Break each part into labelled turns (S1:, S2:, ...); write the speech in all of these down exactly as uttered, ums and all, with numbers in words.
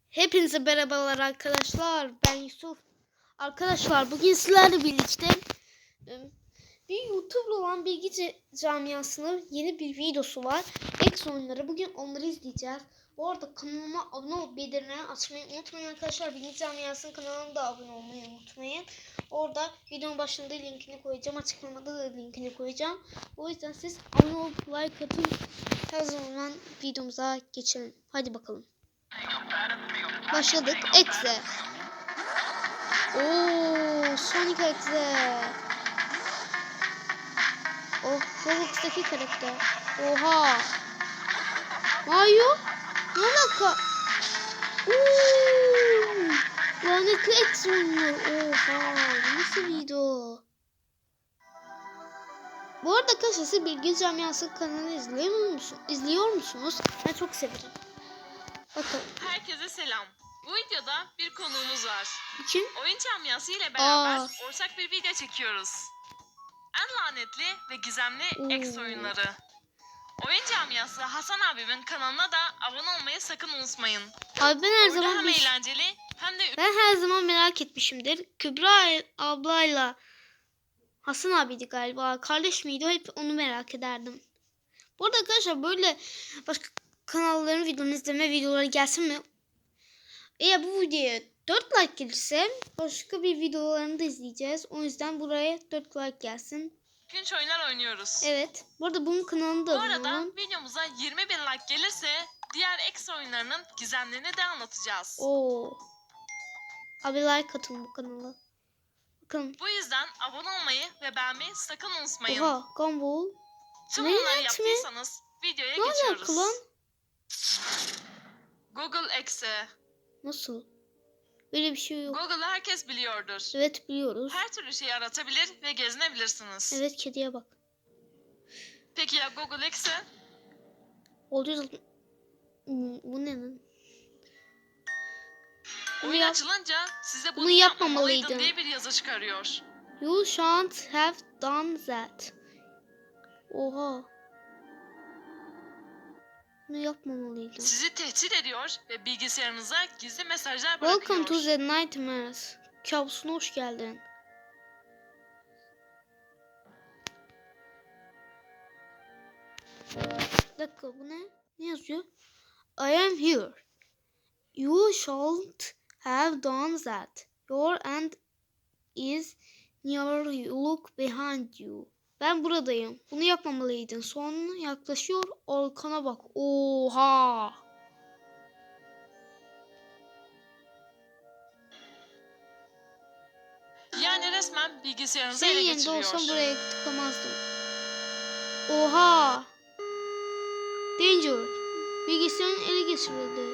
S1: Hepinize merhabalar arkadaşlar. Ben Yusuf. Arkadaşlar bugün sizlerle birlikte bir YouTube'lu olan bilgi camiasının yeni bir videosu var. X oyunları. Bugün onları izleyeceğiz. Bu arada kanalıma abone olup bildirimleri açmayı unutmayın arkadaşlar. Bilgi camiasının kanalına da abone olmayı unutmayın. Orada videonun başında linkini koyacağım. Açıklamada da linkini koyacağım. O yüzden siz abone olup like atın. Her zaman videomuza geçelim. Hadi bakalım. Başladık. Exe. Oo, Sonic Exe. Oh, Roblox'taki karakter. Oha. Mario? Ne alaka? Oo, lanetli Exe oynuyor. Oha. Nasıl video? Bu arada arkadaşlar siz Bilgi Camiası kanalını izliyor musunuz? İzliyor musunuz? Ben çok severim. Bakın.
S2: Herkese selam. Bu videoda bir konuğumuz var.
S1: Kim?
S2: Oyun camiası ile beraber
S1: Aa.
S2: ortak bir video çekiyoruz. En lanetli ve gizemli X oyunları. Oyun camiası Hasan abimin kanalına da abone olmayı sakın unutmayın.
S1: Abi ben her
S2: Orada
S1: zaman
S2: hem
S1: bir...
S2: eğlenceli hem de...
S1: Ben her zaman merak etmişimdir. Kübra ablayla Hasan abiydi galiba. Kardeş miydi? Hep onu merak ederdim. Bu arada arkadaşlar böyle başka kanalların videolarını izleme videoları gelsin mi? Eğer bu videoya dört like gelirse başka bir videolarını da izleyeceğiz. O yüzden buraya dört like gelsin.
S2: Günç oyunlar oynuyoruz.
S1: Evet. Bu arada bunun kanalını da
S2: Bu
S1: abone
S2: arada
S1: olun.
S2: videomuza yirmi bin like gelirse diğer X oyunlarının gizemlerini de anlatacağız.
S1: Oo. Abi like atın bu kanala. Bakın.
S2: Bu yüzden abone olmayı ve beğenmeyi sakın unutmayın.
S1: Oha. Gumball.
S2: Tüm
S1: Ne
S2: bunları
S1: yönetimi?
S2: yaptıysanız videoya
S1: Ne
S2: geçiyoruz.
S1: alaka lan?
S2: Google Exe.
S1: Nasıl? Böyle bir şey yok.
S2: Google'ı herkes biliyordur.
S1: Evet biliyoruz.
S2: Her türlü şeyi aratabilir ve gezinebilirsiniz.
S1: Evet kediye bak.
S2: Peki ya Google Exe?
S1: Oluyor. Hmm, bu ne lan? Bunu
S2: Oyun
S1: yap-
S2: açılınca size bunu,
S1: bunu
S2: yapmamalıydın
S1: yapmamalıydın.
S2: diye bir yazı çıkarıyor.
S1: You shan't have done that. Oha. Bunu yapmamalıydın.
S2: Sizi tehdit ediyor ve bilgisayarınıza gizli mesajlar bırakıyor.
S1: Welcome to the nightmares. Kabusuna hoş geldin. Bir dakika bu ne? Ne yazıyor? I am here. You shan't have done that. Your end is near you. Look behind you. Ben buradayım. Bunu yapmamalıydın. Son yaklaşıyor. Arkana bak. Oha.
S2: Yani resmen bilgisayarınızı
S1: Senin
S2: ele
S1: yerinde
S2: geçiriyor.
S1: olsam buraya tıklamazdım. Oha. Danger. Bilgisayarın ele geçirildi.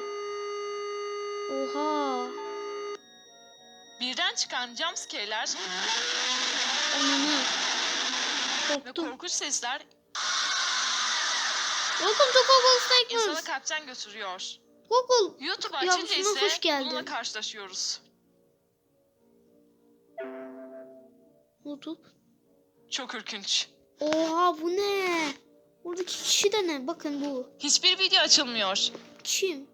S1: Oha.
S2: Birden çıkan jumpscare'ler
S1: Ananı.
S2: ve
S1: Korktum.
S2: korkunç sesler
S1: Welcome to Google
S2: insanı
S1: Statements.
S2: kalpten götürüyor.
S1: Google.
S2: YouTube
S1: Ya,
S2: açınca
S1: şuna hoş
S2: ise
S1: geldin.
S2: bununla karşılaşıyoruz.
S1: YouTube.
S2: Çok ürkünç.
S1: Oha bu ne? Buradaki kişi de ne? Bakın bu.
S2: Hiçbir video açılmıyor.
S1: Kim?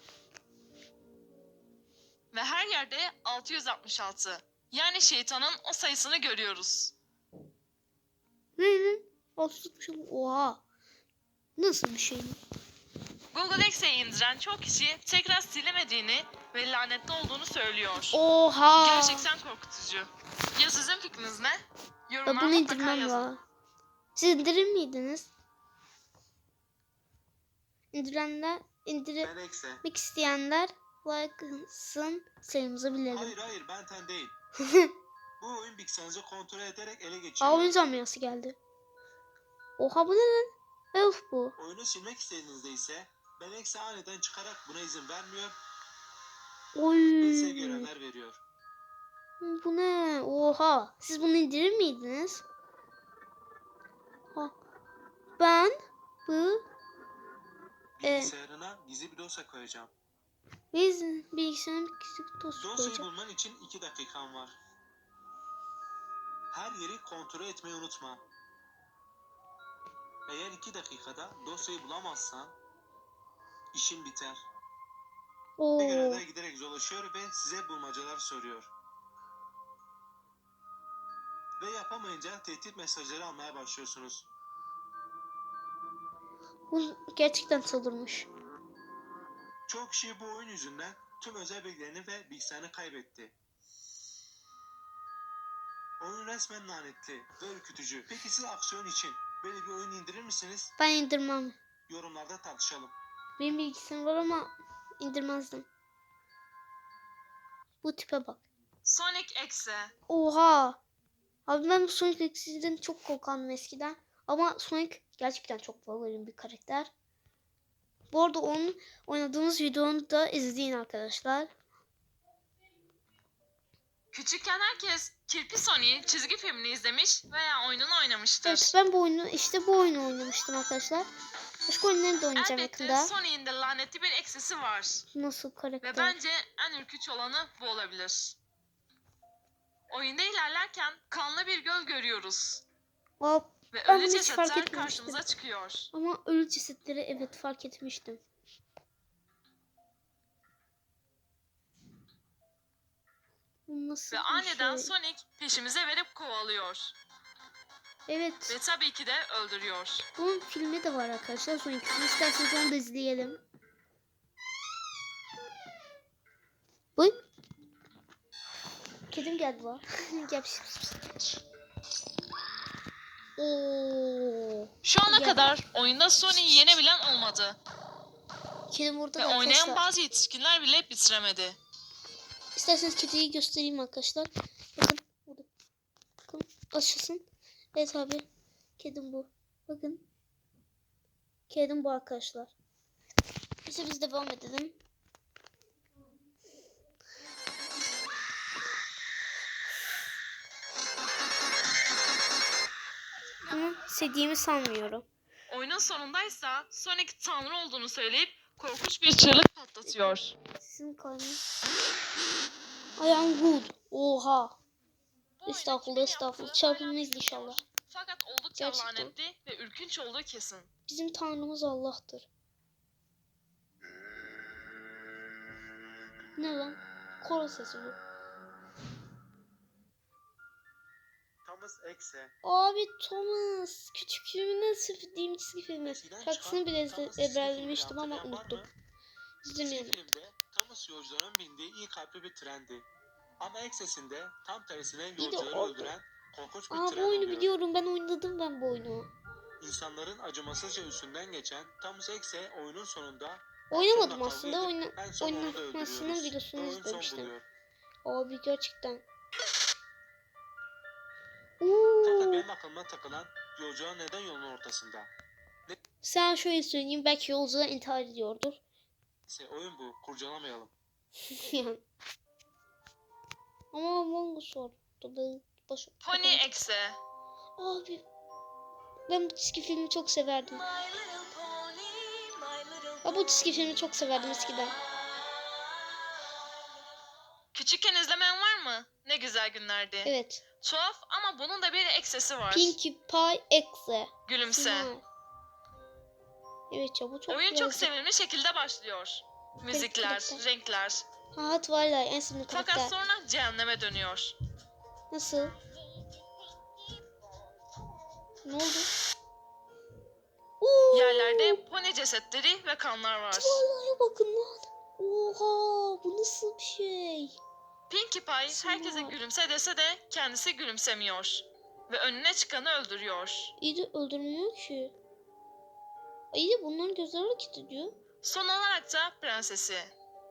S2: Ve her yerde altı yüz altmış altı. Yani şeytanın o sayısını görüyoruz.
S1: Ne ne? Altı Oha. Nasıl bir şey?
S2: Google X'e indiren çok kişi tekrar silemediğini ve lanetli olduğunu söylüyor.
S1: Oha.
S2: Gerçekten korkutucu. Ya sizin fikriniz ne?
S1: Ya
S2: Yorumlara
S1: bunu
S2: mutlaka
S1: indirmem
S2: yazın.
S1: la. Siz indirir miydiniz? İndirenler,
S3: Ben Exe.
S1: indirmek isteyenler like'sın sayımızı bilelim.
S3: Hayır hayır ben ten değil. Bu oyun bilgisayarınızı kontrol ederek ele
S1: Aa
S3: geçiriyor.
S1: oyun camiası geldi. Oha bu ne lan? Elf bu.
S3: Oyunu silmek istediğinizde ise Ben Exe aniden çıkarak buna izin vermiyor
S1: Oy.
S3: ve size görevler veriyor.
S1: Bu ne? Oha. Siz bunu indirir miydiniz? Ha. Ben bu e,
S3: Bilgisayarına gizli bir dosya koyacağım.
S1: biz bilgisayarın küçük dostu
S3: Dosyayı
S1: koyacağım.
S3: bulman için iki dakikan var. Her yeri kontrol etmeyi unutma. Eğer iki dakikada dosyayı bulamazsan işin biter.
S1: Oo.
S3: Bir görevlere giderek dolaşıyor ve size bulmacalar soruyor. Ve yapamayınca tehdit mesajları almaya başlıyorsunuz.
S1: Bu gerçekten çıldırmış.
S3: Çoğu kişi bu oyun yüzünden tüm özel bilgilerini ve bilgisayarını kaybetti. Oyun resmen lanetli ve ürkütücü. Peki siz aksiyon için böyle bir oyun indirir misiniz?
S1: Ben indirmem.
S3: Yorumlarda tartışalım.
S1: Benim bilgisayarım var ama indirmezdim. Bu tipe bak.
S2: Sonic Exe.
S1: Oha. Abi ben bu Sonic X'den çok korkandım eskiden. Ama Sonic gerçekten çok favorim bir karakter. Bu arada onun oynadığımız videonu da izleyin arkadaşlar.
S2: Küçükken herkes Kirpi Sonic'in çizgi filmini izlemiş veya oyununu oynamıştır.
S1: Evet, ben bu oyunu işte bu oyunu oynamıştım arkadaşlar. Başka oyunları da oynayacağım
S2: Elbette
S1: yakında.
S2: Sonic'in de lanetli bir eksisi var.
S1: Nasıl
S2: Ve
S1: karakter?
S2: bence en ürkütücü olanı bu olabilir. Oyunda ilerlerken kanlı bir göl görüyoruz.
S1: Aa,
S2: Ve
S1: Ben
S2: ölü
S1: bunu hiç fark
S2: cesetler
S1: etmemiştim.
S2: karşımıza çıkıyor.
S1: ama ölü cesetleri evet fark etmiştim. Bu nasıl
S2: Ve
S1: bir
S2: aniden
S1: şey?
S2: Sonic peşimize verip kovalıyor.
S1: Evet.
S2: Ve tabii ki de öldürüyor.
S1: Bunun filmi de var arkadaşlar. Son ikisini isterseniz onu da izleyelim. Buyur. Kedim geldi var. Gel. Oo.
S2: Şu ana
S1: Gel.
S2: kadar oyunda Sonic'i yenebilen olmadı.
S1: Kedim burada
S2: Ve
S1: da
S2: oynayan
S1: arkadaşlar.
S2: bazı yetişkinler bile bitiremedi.
S1: İsterseniz kediyi göstereyim arkadaşlar. Bakın. Burada. Bakın. Açılsın. Evet abi. Kedim bu. Bakın. Kedim bu arkadaşlar. İşte biz devam edelim. Ama sevdiğimi sanmıyorum.
S2: Oyunun sonundaysa Sonic tanrı olduğunu söyleyip korkunç bir çığlık patlatıyor.
S1: Sizin kalbiniz. I am good. Oha.
S2: Bu oyunu
S1: Estağfurullah,
S2: kimin
S1: estağfurullah.
S2: yaptığı
S1: Çarpılmayız
S2: hala
S1: inşallah.
S2: bilinmiyor. Fakat oldukça
S1: Gerçekten.
S2: lanetli ve ürkünç olduğu kesin.
S1: Bizim tanrımız Allah'tır. Ne lan? Koro sesi bu.
S3: Thomas Exe.
S1: Abi Thomas. Küçüklüğümden sevdiğim çizgi filmi.
S3: Eskiden
S1: Şarkısını
S3: çıkan
S1: bile
S3: Thomas
S1: ezbe-
S3: çizgi filmini
S1: ezberlemiştim ama
S3: hatırlayan var
S1: unuttum.
S3: mı? Çizgi
S1: İzlemeyelim.
S3: filmde Thomas yolcuların bindiği iyi kalpli bir trendi. Ama Exe'sinde tam tersine
S1: de
S3: yolcuları
S1: o-
S3: öldüren korkunç bir
S1: Aa
S3: tren
S1: bu oyunu
S3: oluyor.
S1: biliyorum. Ben oynadım ben bu oyunu.
S3: İnsanların acımasızca üstünden geçen Thomas Exe oyunun sonunda
S1: Oynamadım
S3: sonuna
S1: aslında.
S3: kavga
S1: Oyna
S3: edip en son onu da
S1: oynamasının
S3: öldürüyoruz.
S1: videosunu
S3: Ve oyun son
S1: izlemiştim.
S3: buluyor.
S1: Abi gerçekten.
S3: Fakat
S1: Oo.
S3: benim aklıma takılan yolcular neden yolun ortasında?
S1: Sen şöyle söyleyeyim. Belki yolcular intihar ediyordur.
S3: Neyse oyun bu. Kurcalamayalım.
S1: Yani. Ama Among Us var. Tabii baş...
S2: Pony Exe.
S1: Abi. Ben bu çizgi filmi çok severdim. Ben bu çizgi filmi çok severdim eskiden.
S2: Küçükken izlemeyen var mı? Ne güzel günlerdi.
S1: Evet.
S2: Tuhaf ama bunun da bir eksesi var.
S1: Pinkie Pie Exe.
S2: Gülümse.
S1: Final. Evet ya bu çok
S2: Oyun çok
S1: güzel.
S2: sevimli şekilde başlıyor. Müzikler,
S1: karakter.
S2: renkler.
S1: Ha Twilight en sevdiğim
S2: Fakat
S1: karakter.
S2: sonra cehenneme dönüyor.
S1: Nasıl? Ne oldu? Oo!
S2: Yerlerde pony cesetleri ve kanlar var.
S1: Vallahi bakın lan. Oha bu nasıl bir şey?
S2: Pinkie Pie
S1: Sınav.
S2: herkese gülümse dese de kendisi gülümsemiyor. Ve önüne çıkanı öldürüyor.
S1: İyi de öldürmüyor ki. İyi de bunların gözleri hareket ediyor.
S2: Son olarak da prensesi.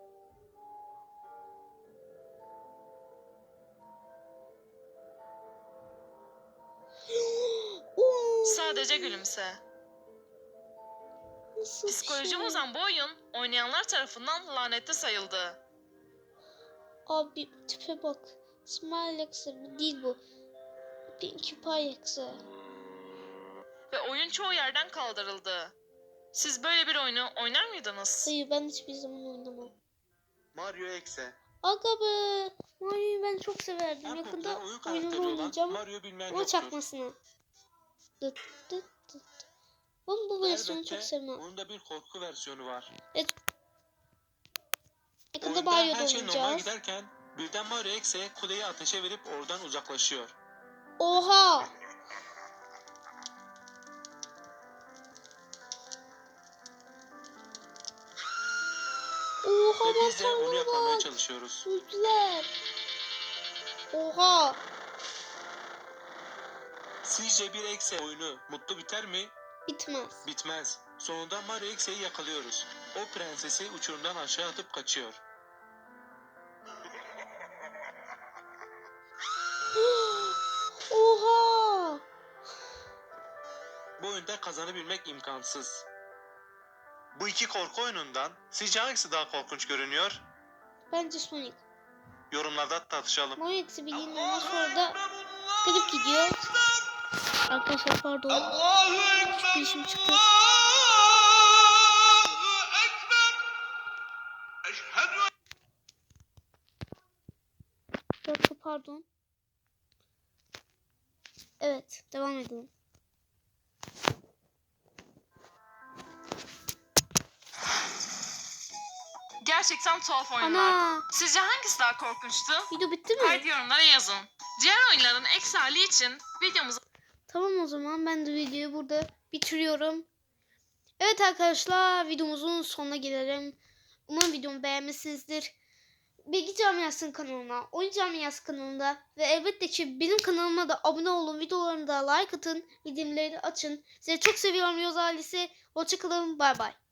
S1: Oo!
S2: Sadece gülümse.
S1: Nasıl bir
S2: Psikoloji
S1: şey?
S2: bozan bu oyun oynayanlar tarafından lanetli sayıldı.
S1: Abi tipe bak. Smile Exe bu değil bu. Pinkie Pie Exe.
S2: Ve oyun çoğu yerden kaldırıldı. Siz böyle bir oyunu oynar mıydınız?
S1: Hayır ben hiçbir zaman oynamam.
S3: Mario Exe.
S1: Aga be. Mario'yu ben çok severdim.
S3: En
S1: Yakında
S3: popüler oyun
S1: oyununu
S3: karakteri olan
S1: oynayacağım.
S3: Mario bilmeyen
S1: Ama
S3: yoktur.
S1: çakmasını. Dıt dıt dıt. Ben bu versiyonu çok
S3: Elbette
S1: sevmem.
S3: onun da bir korku versiyonu var.
S1: Evet. Mario'da
S3: her şey normal
S1: oynayacağız.
S3: giderken birden Mario X'e kuleyi ateşe verip oradan uzaklaşıyor.
S1: Oha. Oha
S3: Ve biz de onu
S1: mantarlara
S3: yakalamaya
S1: bak.
S3: çalışıyoruz.
S1: Öldüler. Oha.
S3: Sizce bir X'e oyunu mutlu biter mi?
S1: Bitmez.
S3: Bitmez. Sonunda Mario X'e'yi yakalıyoruz. O prensesi uçurumdan aşağı atıp kaçıyor.
S1: Oha.
S3: Bu oyunda kazanabilmek imkansız. Bu iki korku oyunundan sizce hangisi daha korkunç görünüyor?
S1: Bence Sonic.
S3: Yorumlarda tartışalım.
S1: Moix'i bildiğin ondan sonra da garip gidiyor. Arkadaşlar pardon. Bir işim çıktı. Bir dakika pardon. Evet devam edelim.
S2: Gerçekten tuhaf oyunlar.
S1: Ana
S2: Sizce hangisi daha korkunçtu?
S1: video bitti mi?
S2: Haydi yorumlara yazın. Diğer oyunların eksi hali için videomuzu
S1: Tamam o zaman ben de videoyu burada bitiriyorum. Evet arkadaşlar videomuzun sonuna gelelim. Umarım videomu beğenmişsinizdir. Bilgi Camiası'nın kanalına, Oyun Camiası kanalında ve elbette ki benim kanalıma da abone olun. Videolarımı da like atın. Bildirimleri açın. Sizi çok seviyorum Yoz ailesi. Hoşçakalın. Bay bay.